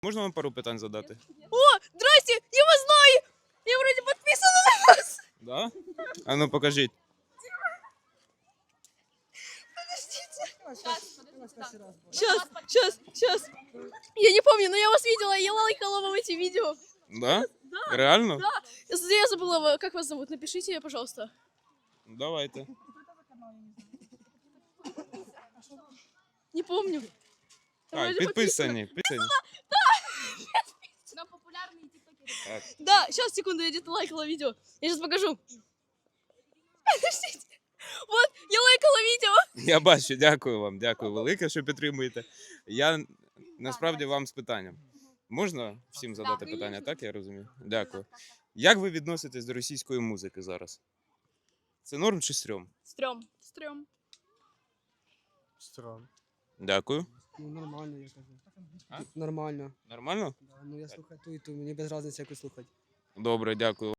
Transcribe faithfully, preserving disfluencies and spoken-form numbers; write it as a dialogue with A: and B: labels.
A: Можна вам пару питань задати?
B: О, здрасте, я вас знаю! Я вроде подписана на вас.
A: Да? А ну покажіть.
B: Сейчас, сейчас, сейчас. Я не помню, но я вас видела, я лайкала вам эти видео.
A: Да? Реально?
B: Да. Я я забыла, как вас зовут, напишите, пожалуйста.
A: Давайте.
B: Не помню.
A: Так,
B: Вроде
A: підписані. підписані.
C: Нам популярные тиктокеры.
A: Так.
B: Да, сейчас, секунду, я где-то лайкала видео. Я сейчас покажу. Подождите. Вот, я лайкала видео.
A: Я бачу, дякую вам, дякую велике, що підтримуєте. Я насправді вам з питанням. Можна всім задати питання, так я розумію? Дякую. Як ви відноситесь до російської музики зараз? Це норм чи стрьом?
B: Стрём. Стрём.
D: Странно.
A: Дякую.
D: Ну нормально, я кажу.
A: А?
D: Нормально.
A: Нормально?
D: Да, ну я слухаю ту і ту, мені без різниці, яку слухати.
A: Добре, дякую.